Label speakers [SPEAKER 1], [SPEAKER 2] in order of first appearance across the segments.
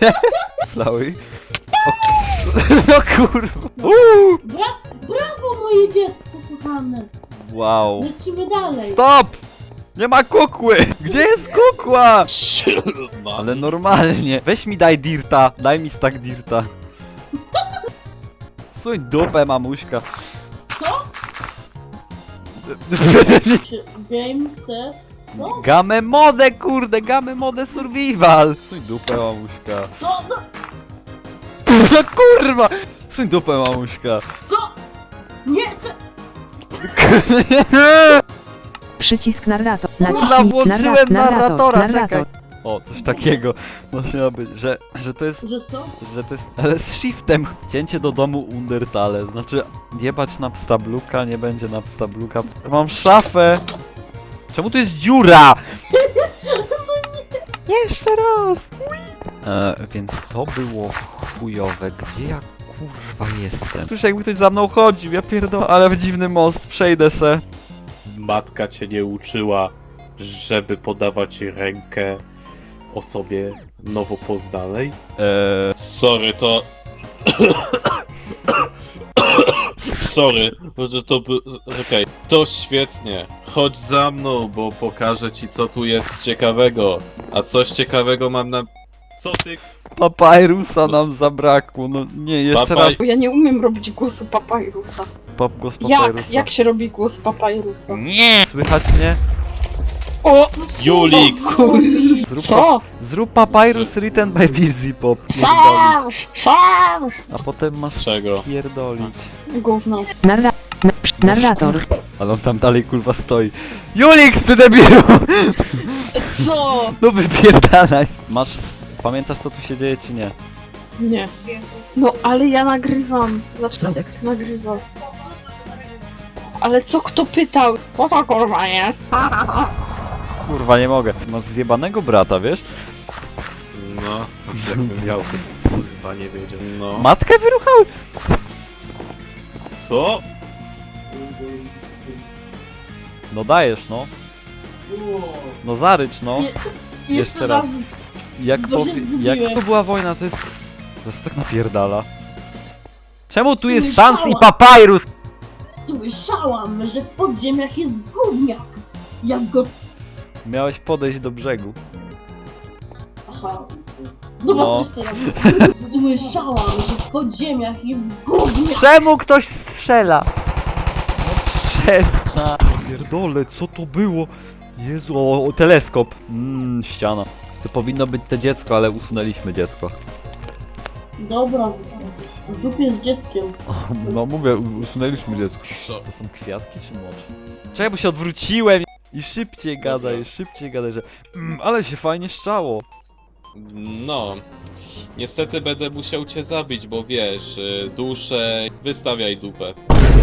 [SPEAKER 1] Flały. No kurwa.
[SPEAKER 2] Brawo moje dziecko kochane!
[SPEAKER 1] Wow.
[SPEAKER 2] Lecimy dalej!
[SPEAKER 1] Stop! Nie ma kukły! Gdzie jest kukła? Ale normalnie. Weź mi daj dirta. Daj mi stack dirta. Suń dupę, mamuśka.
[SPEAKER 2] Co? Games... Co?
[SPEAKER 1] Game mode, kurde, game mode survival. Suń dupę, mamuśka.
[SPEAKER 2] Co? No,
[SPEAKER 1] No kurwa! Suń dupę, mamuśka.
[SPEAKER 2] co? Nie, czy...
[SPEAKER 3] Przycisk narrator.
[SPEAKER 1] Kurwa,
[SPEAKER 3] Naciśnij
[SPEAKER 1] włączyłem narratora,
[SPEAKER 3] narrator.
[SPEAKER 1] czekaj. O, coś takiego. Właśnie ma być, że to jest...
[SPEAKER 2] Że co?
[SPEAKER 1] Że to jest... Ale z shiftem. Cięcie do domu Undertale. Znaczy, jebać na pstabluka, nie będzie na pstabluka. Mam szafę. Czemu tu jest dziura? Jeszcze raz. Więc to było chujowe. Gdzie ja kurwa jestem? Słyszę, jakby ktoś za mną chodził, ja pierdolę, ale w dziwny most, przejdę se.
[SPEAKER 4] Matka cię nie uczyła, żeby podawać rękę osobie nowo poznanej? Sorry, to... Sorry, że to by... Okej, to świetnie. Chodź za mną, bo pokażę ci, co tu jest ciekawego. A coś ciekawego mam na... Co ty...
[SPEAKER 1] Papyrusa nam zabrakło, no nie, jeszcze raz.
[SPEAKER 5] Bo ja nie umiem robić głosu papyrusa.
[SPEAKER 1] Głos papyrusa.
[SPEAKER 5] Jak się robi głos papyrusa?
[SPEAKER 1] Nie! Słychać mnie?
[SPEAKER 5] O!
[SPEAKER 4] Julix!
[SPEAKER 1] Zrób papyrus written by Busy Pop. A potem masz
[SPEAKER 4] Czego?
[SPEAKER 1] pierdolić.
[SPEAKER 5] Gówno.
[SPEAKER 3] Narrator.
[SPEAKER 1] Ale on tam dalej kurwa stoi. Julix, ty debilu!
[SPEAKER 5] Co?
[SPEAKER 1] No wypierdalaj. Masz... Pamiętasz co tu się dzieje czy nie?
[SPEAKER 5] Nie. No ale ja nagrywam. Znaczy nagrywam. Ale co kto pytał? Co to kurwa jest?
[SPEAKER 1] Kurwa nie mogę. Masz zjebanego brata, wiesz?
[SPEAKER 4] No, jakbym miał, to kurwa nie wiedział. No.
[SPEAKER 1] Matkę wyruchały!
[SPEAKER 4] Co?
[SPEAKER 1] No dajesz no. No zarycz no.
[SPEAKER 2] Nie,
[SPEAKER 1] Jeszcze raz. Jak,
[SPEAKER 2] Bo się zgubiłem.
[SPEAKER 1] jak to była wojna, to jest... To jest tak napierdala. Czemu tu jest
[SPEAKER 2] Słyszałam.
[SPEAKER 1] Sans i Papyrus?
[SPEAKER 2] Słyszałam, że w podziemiach jest gówniak! Jak go...
[SPEAKER 1] Miałeś podejść do brzegu.
[SPEAKER 2] Aha. No
[SPEAKER 1] No.
[SPEAKER 2] bo jeszcze raz. Słyszałam, że w podziemiach jest gówniak!
[SPEAKER 1] Czemu ktoś strzela? No przestań. Pierdole, co to było? Jezu, o teleskop. Ściana. To powinno być to dziecko, ale usunęliśmy dziecko.
[SPEAKER 2] Dobra, w dupie z dzieckiem.
[SPEAKER 1] No mówię, usunęliśmy dziecko.
[SPEAKER 4] Co?
[SPEAKER 1] To są kwiatki czy mocz? Czekaj, bo się odwróciłem i szybciej gadaj, że... ale się fajnie szczało.
[SPEAKER 4] No. Niestety będę musiał cię zabić, bo wiesz, duszę... Wystawiaj dupę.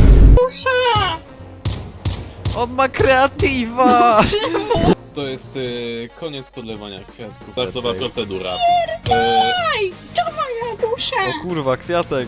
[SPEAKER 1] On ma kreatywa!
[SPEAKER 4] To jest koniec podlewania kwiatków. Startowa
[SPEAKER 1] Okej.
[SPEAKER 4] procedura.
[SPEAKER 1] O kurwa, kwiatek.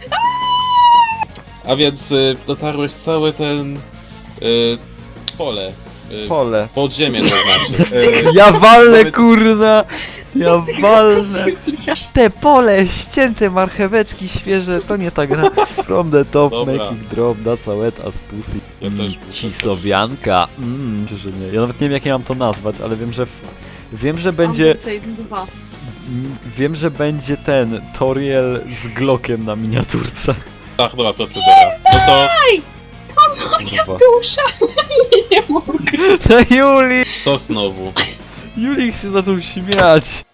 [SPEAKER 4] A więc dotarłeś cały ten... pole.
[SPEAKER 1] Pole.
[SPEAKER 4] Podziemie to znaczy.
[SPEAKER 1] Ja walnę, kurna! Ja walnę! Te pole, ścięte marcheweczki świeże, to nie ta gra. From the top,
[SPEAKER 4] Dobra.
[SPEAKER 1] make it drop, that's a wet as pussy.
[SPEAKER 4] Ja też muszę
[SPEAKER 1] Cisowianka. Że nie. Ja nawet nie wiem jak ja mam to nazwać, ale wiem, że będzie... Wiem, że będzie ten Toriel z Glockiem na miniaturce.
[SPEAKER 4] Startowa procedura. No to...
[SPEAKER 1] Kurwa.
[SPEAKER 5] Dusza! Nie mogę.
[SPEAKER 1] No Juli!
[SPEAKER 4] Co znowu?
[SPEAKER 1] Julik się zaczął śmiać.